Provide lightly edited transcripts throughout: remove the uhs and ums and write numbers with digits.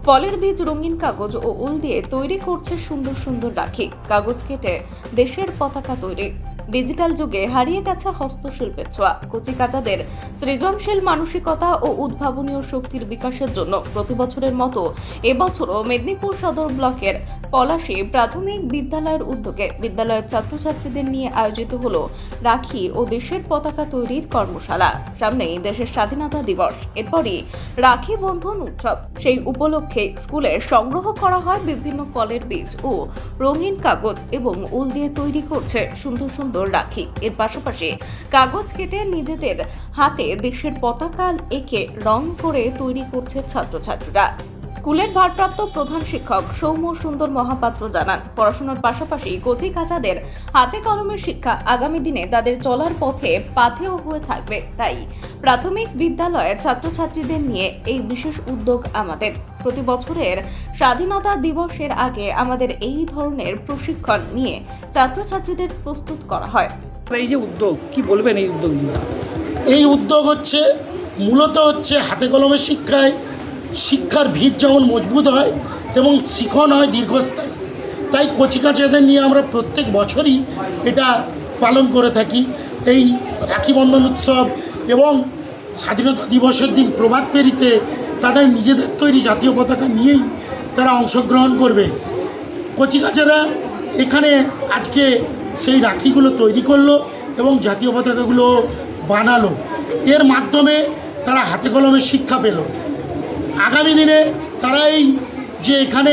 ফলের বীজ, রঙিন কাগজ ও উল দিয়ে তৈরি করছে সুন্দর সুন্দর রাখি। কাগজ কেটে দেশের পতাকা তৈরি। ডিজিটাল যুগে হারিয়ে গেছে হস্তশিল্পের ছোঁয়া। কচিকাঁচাদের সৃজনশীল মানসিকতা ও উদ্ভাবনীয় শক্তির বিকাশের জন্য প্রতি বছরের মতো এবছরও মেদিনীপুর সদর ব্লকের পলাশী প্রাথমিক বিদ্যালয়ের উদ্যোগে বিদ্যালয়ের ছাত্রছাত্রীদের নিয়ে আয়োজিত হলো রাখি ও দেশের পতাকা তৈরির কর্মশালা। সামনেই দেশের স্বাধীনতা দিবস, এরপরই রাখি বন্ধন উৎসব। সেই উপলক্ষে স্কুলে সংগ্রহ করা হয় বিভিন্ন ফলের বীজ ও রঙিন কাগজ এবং উল দিয়ে তৈরি করছে সুন্দর সুন্দর রাখি। এর পাশাপাশি কাগজ কেটে নিজেদের হাতে দেশের পতাকা এঁকে রং করে তৈরি করছে ছাত্রছাত্রীরা। স্কুলের ভারপ্রাপ্ত প্রধান শিক্ষক সৌম্য সুন্দর মহাপাত্র জানান, পড়াশোনার পাশাপাশি কচিকাঁচাদের হাতে কলমের শিক্ষা আগামী দিনে তাদের চলার পথে পাথেয় হয়ে থাকবে। তাই প্রাথমিক বিদ্যালয়ের ছাত্রছাত্রীদের নিয়ে এই বিশেষ উদ্যোগ আমাদের। প্রতি বছরের স্বাধীনতা দিবসের আগে আমাদের এই ধরনের প্রশিক্ষণ নিয়ে ছাত্রছাত্রীদের প্রস্তুত করা হয়। এই যে উদ্যোগ, কি বলবেন এই উদ্যোগ নিয়ে? এই উদ্যোগ মূলত হাতে কলমের শিক্ষার ভিত যেমন মজবুত হয় এবং শিখন হয় দীর্ঘস্থায়ী। তাই কচিকাঁচাদের নিয়ে আমরা প্রত্যেক বছরই এটা পালন করে থাকি। এই রাখি বন্ধন উৎসব এবং স্বাধীনতা দিবসের দিন প্রভাত ফেরিতে তাদের নিজেদের তৈরি জাতীয় পতাকা নিয়েই তারা অংশগ্রহণ করবে। কচিকাঁচারা এখানে আজকে সেই রাখিগুলো তৈরি করলো এবং জাতীয় পতাকাগুলো বানালো। এর মাধ্যমে তারা হাতে কলমের শিক্ষা পেল। আগামী দিনে তারা এই যে এখানে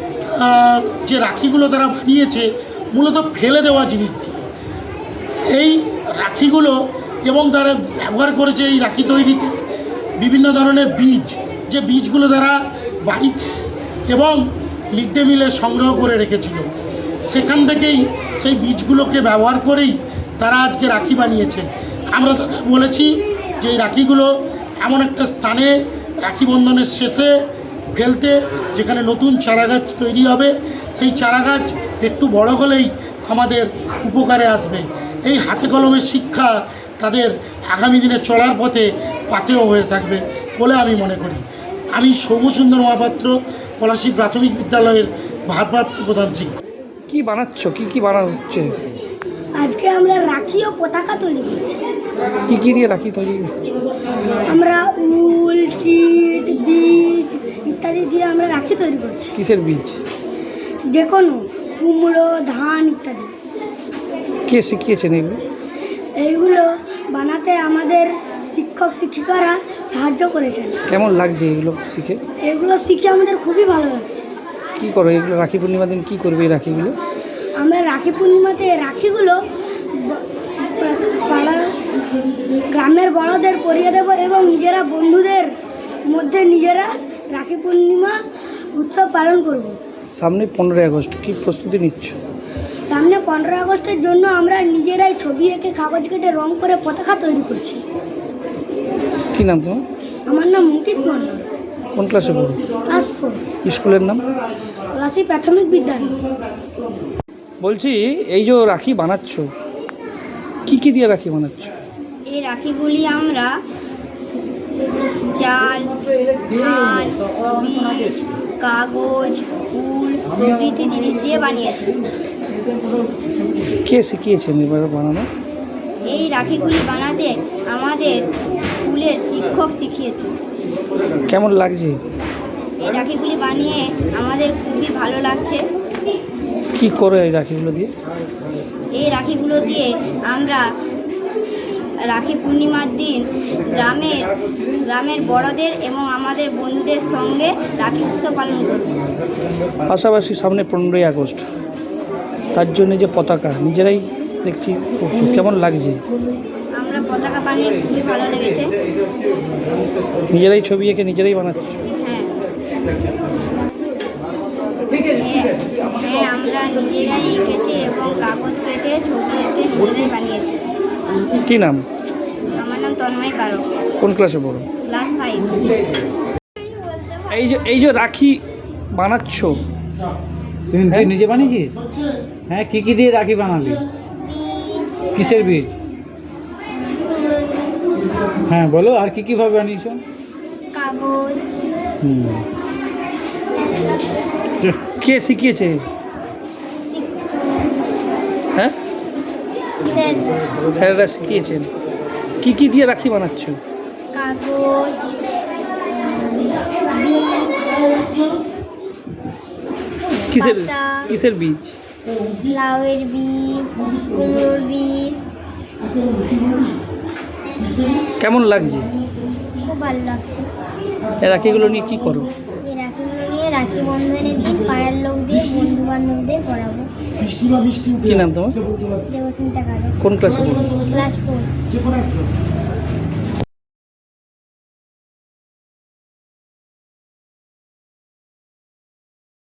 যে রাখিগুলো তারা বানিয়েছে মূলত ফেলে দেওয়া জিনিস দিয়ে এই রাখিগুলো, এবং তারা ব্যবহার করেছে এই রাখি তৈরিতে বিভিন্ন ধরনের বীজ, যে বীজগুলো তারা বাড়িতে এবং মিড ডে মিলে সংগ্রহ করে রেখেছিল, সেখান থেকেই সেই বীজগুলোকে ব্যবহার করেই তারা আজকে রাখি বানিয়েছে। আমরা তাদের বলেছি যে এই রাখিগুলো এমন একটা স্থানে রাখি বন্ধনের শেষে ফেলতে, যেখানে নতুন চারাগাছ তৈরি হবে। সেই চারাগাছ একটু বড় হলেই আমাদের উপকারে আসবে। এই হাতে কলমের শিক্ষা তাদের আগামী দিনে চলার পথে পাথেয় হয়ে থাকবে বলে আমি মনে করি। আমি সৌম্য সুন্দর মহাপাত্র, পলাশী প্রাথমিক বিদ্যালয়ের ভারপ্রাপ্ত প্রধান শিক্ষক। কি বানাচ্ছ, কি বানানো হচ্ছে? আজকে আমরা রাখি ও পতাকা তৈরি করছি। কি দিয়ে রাখি তৈরি হচ্ছে? আমরা উল, চিট, বীজ ইত্যাদি দিয়ে আমরা রাখি তৈরি করছি। কিসের বীজ? যে কোনো কুমড়ো, ধান ইত্যাদি। কে শিখিয়েছেন এগুলো? এইগুলো বানাতে আমাদের শিক্ষক শিক্ষিকারা সাহায্য করেছেন। কেমন লাগছে এগুলো শিখে? এগুলো শিখে আমাদের খুবই ভালো লাগছে। কি করো এগুলো? রাখি পূর্ণিমার দিন কি করবে এই রাখিগুলো? আমরা রাখি পূর্ণিমাতে রাখিগুলো পাড়ার গ্রামের বড়দের পরিয়ে দেব এবং নিজেরা বন্ধুদের মধ্যে নিজেরা রাখি পূর্ণিমা উৎসব পালন করব। সামনে 15ই আগস্ট, কি প্রস্তুতি নিচ্ছ? সামনে 15 আগস্টের জন্য আমরা নিজেরাই ছবি এঁকে কাগজ কেটে রং করে পতাকা তৈরি করছি। কি নাম তোমার? আমার নাম অঙ্কিত মণ্ডল। কোন ক্লাসে পড়ো? ক্লাস 4, স্কুলের নাম? পলাশী প্রাথমিক বিদ্যালয়। বলছি, এই যে রাখি বানাচ্ছ, কি দিয়ে রাখি বানাচ্ছ? এই রাখিগুলি আমরা জাল, ধান, বীজ, কাগজ, উল প্রভৃতি জিনিস দিয়ে বানিয়েছি। কে শিখিয়েছেন এবার বানানো? এই রাখিগুলি বানাতে আমাদের স্কুলের শিক্ষক শিখিয়েছে। কেমন লাগছে? এই রাখিগুলি বানিয়ে আমাদের খুবই ভালো লাগছে। কি করে এই রাখিগুলো দিয়ে? এই রাখিগুলো দিয়ে আমরা রাখি পূর্ণিমার দিন গ্রামের বড়দের এবং আমাদের বন্ধুদের সঙ্গে রাখি উৎসব পালন করি। পাশাপাশি সামনে 15ই আগস্ট, তার জন্য যে পতাকা নিজেরাই দেখছি করছো, কেমন লাগছে? আমরা পতাকা বানিয়ে খুবই ভালো লেগেছে। নিজেরাই ছবি এঁকে নিজেরাই বানাচ্ছ? হ্যাঁ, আমরা নিজেরাই এঁকেছি এবং কাগজ কেটে ছবি এঁকে নিজেরাই বানিয়েছি। কি নাম? আমার নাম তন্ময় কারক। কোন ক্লাসে পড়ো? ক্লাস 5। এই যে রাখি বানাচ্ছ, তুই নিজে বানিয়েছিস? হ্যাঁ, কি দিয়ে রাখি বানাবি? কিসের বীজ? হ্যাঁ বলো, আর কিভাবে বানিয়েছো? কাগজ। কে শিখিয়েছে? হ্যাঁ, স্যারেরা শিখিয়েছেন। কি কি দিয়ে রাখি বানাচ্ছ? কাগজ, কিসের পাতা। কিসের বীজ? লাউয়ের বীজ, কুমড়োর বীজ। কেমন লাগছে? খুব ভালো লাগছে। এই রাখিগুলো নিয়ে কি করো? এই রাখিগুলো নিয়ে রাখি বন্ধনের দিন পাড়ার লোকদের, বন্ধু বান্ধবদের পড়াবো। কি নাম তোমার? দেবস্মিতা কারক, কোন ক্লাসে পড়ো? ক্লাস 4।